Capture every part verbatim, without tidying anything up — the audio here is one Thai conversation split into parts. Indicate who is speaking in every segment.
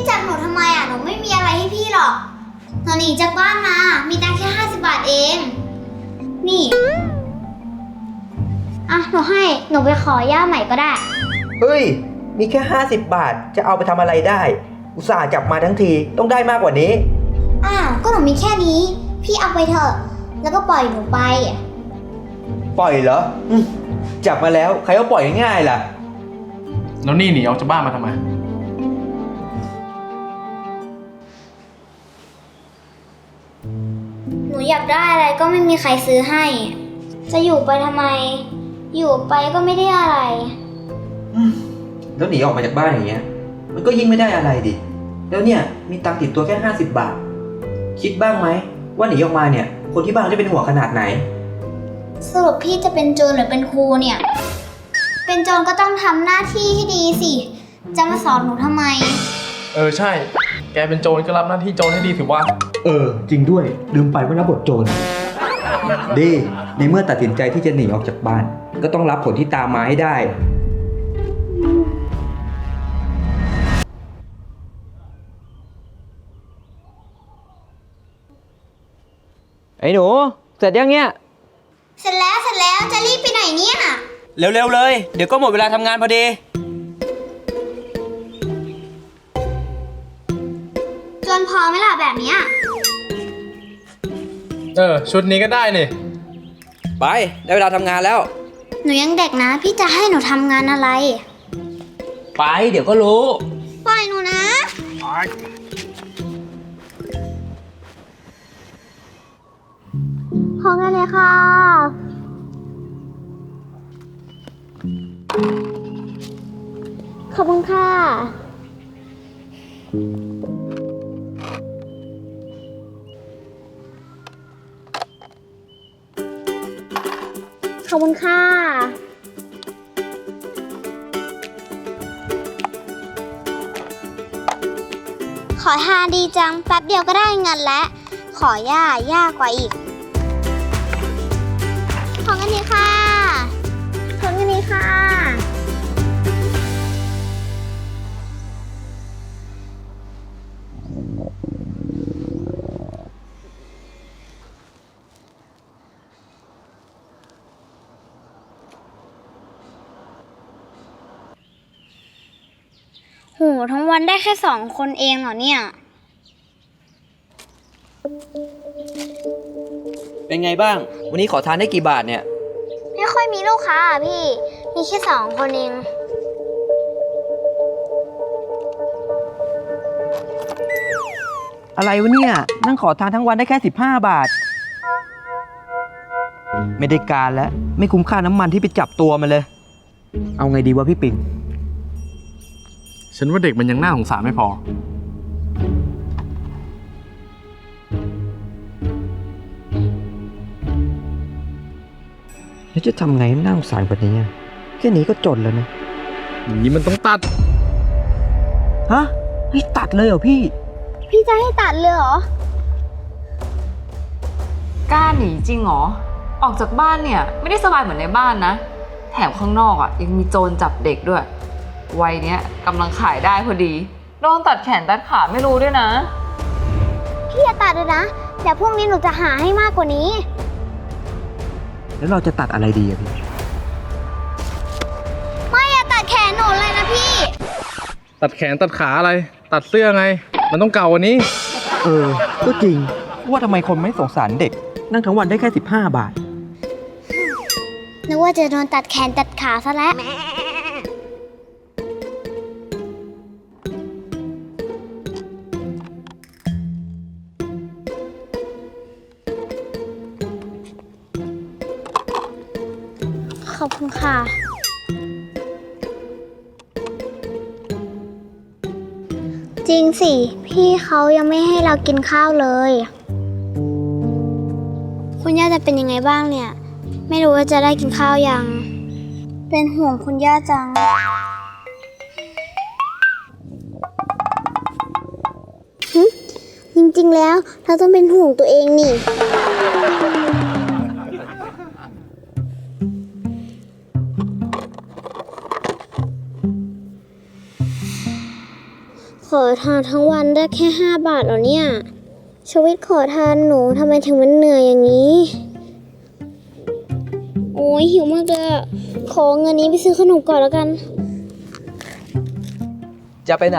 Speaker 1: จับหนูทำไมอ่ะหนูไม่มีอะไรให้พี่หรอกหนูหนีจากบ้านมามีตังค์แค่ห้าสิบบาทเองนี่อ่ะหนูให้หนูไปขอย่าใหม่ก็ได้
Speaker 2: เฮ้ยมีแค่ห้าสิบบาทจะเอาไปทำอะไรได้อุตส่าห์จับมาทั้งทีต้องได้มากกว่านี้
Speaker 1: อ้าวก็หนูมีแค่นี้พี่เอาไปเถอะแล้วก็ปล่อยหนูไป
Speaker 2: ปล่อยเหรอจับมาแล้วใครก็ปล่อยง่ายๆล่ะ
Speaker 3: แล้วนี่หนีออกจากบ้านมาทำไม
Speaker 1: หนูอยากได้อะไรก็ไม่มีใครซื้อให้จะอยู่ไปทำไมอยู่ไปก็ไม่ได้อะไร
Speaker 2: แล้วหนีออกมาจากบ้านอย่างเงี้ยมันก็ยิ่งไม่ได้อะไรดิแล้วเนี่ยมีตังค์ติดตัวแค่ห้าสิบบาทคิดบ้างไหมว่าหนีออกมาเนี่ยคนที่บ้านจะเป็นห่วงขนาดไหน
Speaker 1: สรุปพี่จะเป็นโจรหรือเป็นครูเนี่ยเป็นโจรก็ต้องทำหน้าที่ให้ดีสิจะมาสอนหนูทำไม
Speaker 3: เออใช่แกเป็นโจรก็รับหน้าที่โจรให้ดีถือว่า
Speaker 2: เออจริงด้วยลืมไปว่ารับบทโจรดีในเมื่อตัดสินใจที่จะหนีออกจากบ้านก็ต้องรับผลที่ตามมาให้ได้ไอ้หนูเสร็จยังเนี่ย
Speaker 1: เสร็จแล้วเสร็จแล้วจะรีบไปไหนเนี่ย
Speaker 2: เร็วๆเลยเดี๋ยวก็หมดเวลาทำงานพอดี
Speaker 1: จนพอไหมล่ะแบบนี้
Speaker 3: เออชุดนี้ก็ได้นี่
Speaker 2: ไปได้เวลาทำงานแล้ว
Speaker 1: หนูยังเด็กนะพี่จะให้หนูทำงานอะไร
Speaker 2: ไปเดี๋ยวก็รู้
Speaker 1: ปล่อยหนูนะขอเงินเลยค่ะขอบคุณค่ะขอบคุณค่ะขอทานดีจังแป๊บเดียวก็ได้เงินแล้วขอย่ายากกว่าอีกขอเงินนี้ค่ะขอเงินนี้ค่ะโหทั้งวันได้แค่สองคนเองเหรอเนี่ย
Speaker 2: เป็นไงบ้างวันนี้ขอทานได้กี่บาทเนี่ย
Speaker 1: ไม่ค่อยมีลูกค้าอ่ะพี่มีแค่สองคนเอง
Speaker 2: อะไรวะเนี่ยนั่งขอทานทั้งวันได้แค่สิบห้าบาทไม่ได้การแล้วไม่คุ้มค่าน้ำมันที่ไปจับตัวมันเลยเอาไงดีวะพี่ปิง
Speaker 3: ฉันว่าเด็กมันยังน่าสงสารไม่พอ
Speaker 2: แล้วจะทำไงให้น่าสงสารกว่านี้แค่นี้ก็จนแล้วนะ
Speaker 3: อย่างนี้มันต้องตัด
Speaker 2: ฮะให้ตัดเลยเหรอพี่
Speaker 1: พี่จะให้ตัดเลยเหร
Speaker 4: อกล้าหนีจริงเหรอออกจากบ้านเนี่ยไม่ได้สบายเหมือนในบ้านนะแถมข้างนอกอ่ะยังมีโจรจับเด็กด้วยวัยเนี้ยกำลังขายได้พอดีโดนตัดแขนตัดขาไม่รู้ด้วยนะ
Speaker 1: พี่อย่าตัดเลยนะเดี๋ยวพรุ่งนี้หนูจะหาให้มากกว่านี้
Speaker 2: แล้วเราจะตัดอะไรดีอะพี่
Speaker 1: ไม่อย่าตัดแขนหนูเลยนะพี่
Speaker 3: ตัดแขนตัดขาอะไรตัดเสื้อไงมันต้องเก่ากว่านี้
Speaker 2: เออก็จริงว่าทำไมคนไม่สงสารเด็กนั่งทั้งวันได้แค่สิบห้าบาท
Speaker 1: นึกว่าจะโดนตัดแขนตัดขาซะแล้วขอบคุณค่ะจริงสิพี่เขายังไม่ให้เรากินข้าวเลยคุณย่าจะเป็นยังไงบ้างเนี่ยไม่รู้ว่าจะได้กินข้าวยังเป็นห่วงคุณย่าจังจริงๆแล้วเราต้องเป็นห่วงตัวเองนี่ขอทานทั้งวันได้แค่ห้าบาทเหรอเนี่ยชีวิตขอทานหนูทำไมถึงมันเหนื่อยอย่างนี้ โอ้ยหิวมากเลยอะขอเงินนี้ไปซื้อขนมก่อนแล้วกัน
Speaker 2: จะไปไหน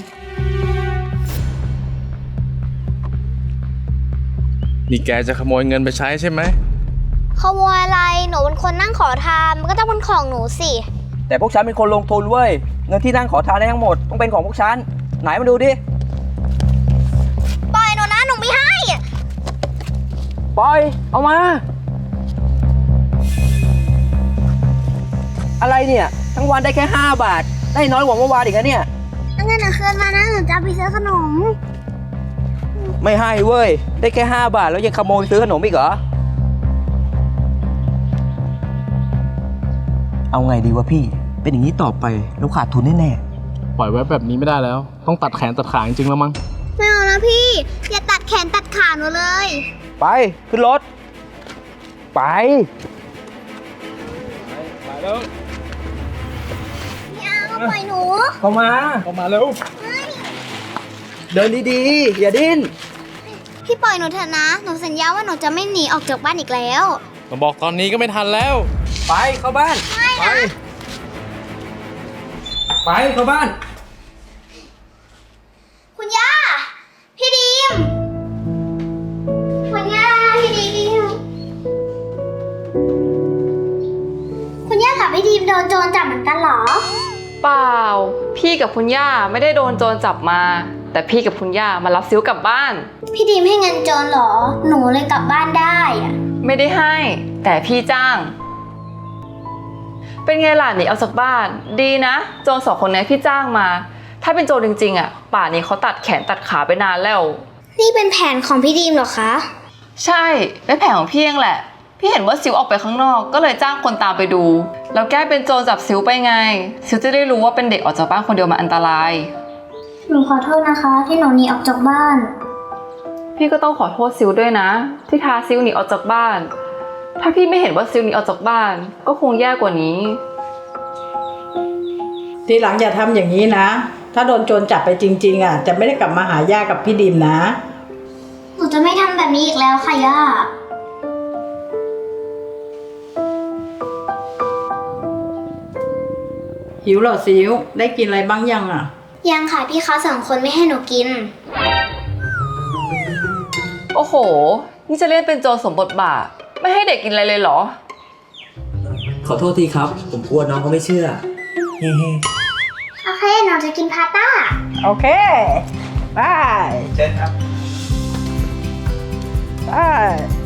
Speaker 3: นี่แกจะขโมยเงินไปใช้ใช่ไหม
Speaker 1: ขโมยอะไร หนูเป็นคนนั่งขอทาน มันก็ต้องเป็นของหนูสิ
Speaker 2: แต่พวกฉันเป็นคนลงทุนเว้ย เงินที่นั่งขอทานได้ทั้งหมดต้องเป็นของพวกฉัน ไหนมาดูดิ
Speaker 1: ปล่อยหนูนะ หนูไม่ให้
Speaker 2: ปล่อย เอามา อะไรเนี่ย ทั้งวันได้แค่ห้าบาท ได้น้อยกว่าเมื่อวานอีกนะเนี่ย
Speaker 1: เงินหนูคืนมานะ หนูจะเอาไปซื้อขนม
Speaker 2: ไม่ให้เว้ย ได้แค่ห้าบาทแล้วยังขโมยซื้อขนมอีกเหรอ เอาไงดีวะพี่ เป็นอย่างนี้ต่อไปเราขาดทุนแน่
Speaker 3: ปล่อยไว้แบบนี้ไม่ได้แล้ว ต้องตัดแขนตัดขาจริงๆแล้วมั้ง
Speaker 1: ไม่เอานะพี่ อย่าตัดแขนตัดขาหนูเลย
Speaker 2: ๆ ไป ขึ้นรถ ไป
Speaker 3: ไปแล้ว
Speaker 1: ไม่เอาปล่อยหนู
Speaker 2: เข้ามา
Speaker 3: เข้ามาเร็ว
Speaker 2: เดินดีๆ อย่าดิ้น
Speaker 1: พี่ปล่อยหนูเถอะนะ หนูสัญญาว่าหนูจะไม่หนีออกจากบ้านอีกแล้ว
Speaker 3: มาบอกตอนนี้ก็ไม่ทันแล้ว
Speaker 2: ไป เข้าบ้าน ไป ไป เข้าบ้าน
Speaker 1: คุณย่า พี่ดีม คุณย่า พี่ดีม คุณย่ากับพี่ดีมโดนโจรจับเหมือนกันเหรอ
Speaker 4: เปล่า พี่กับคุณย่าไม่ได้โดนโจรจับมา แต่พี่กับคุณย่ามารับซิวกลับบ้าน
Speaker 1: พี่ดีมให้เงินโจรเหรอ หนูเลยกลับบ้านได้อะ
Speaker 4: ไม่ได้ให้ แต่พี่จ้าง เป็นไงล่ะหนีออกจากบ้าน ดีนะ โจรสองคนนี้พี่จ้างมา ถ้าเป็นโจรจริงๆอ่ะ ป่านนี้เขาตัดแขนตัดขาไปนานแล้ว
Speaker 1: นี่เป็นแผนของพี่ดีมเหรอคะ
Speaker 4: ใช่เป็นแผนของพี่เองแหละ พี่เห็นว่าซิวออกไปข้างนอก ก็เลยจ้างคนตามไปดู แล้วแก้เป็นโจรจับซิวไปไง ซิวจะได้รู้ว่าเป็นเด็กออกจากบ้านคนเดียวมันอันตราย
Speaker 1: หนูขอโทษนะคะ ที่หนูหนีออกจากบ้าน
Speaker 4: พี่ก็ต้องขอโทษซิวด้วยนะ ที่พาซิวหนีออกจากบ้าน ถ้าพี่ไม่เห็นว่าซิวหนีออกจากบ้าน ก็คงแย่กว่านี้
Speaker 5: ทีหลังอย่าทำอย่างนี้นะ ถ้าโดนโจรจับไปจริงๆอ่ะจะไม่ได้กลับมาหาย่ากับพี่ดิมนะ
Speaker 1: หนูจะไม่ทำแบบนี้อีกแล้วค่ะย่า
Speaker 5: หิวเหรอซิวได้กินอะไรบ้างยังอ่ะ
Speaker 1: ยังค่ะพี่เขาสองคนไม่ให้หนูกิน
Speaker 4: โอ้โห นี่จะเล่นเป็นโจรสมบทบาท ไม่ให้เด็กกินอะไรเลยเหรอ
Speaker 2: ขอโทษทีครับ ผมกลัวน้องเขาไม่เชื่อ เฮ้
Speaker 1: โอเค หนูจะกินพาสต้า
Speaker 5: โอเคบาย
Speaker 2: เชิญครับ
Speaker 5: บาย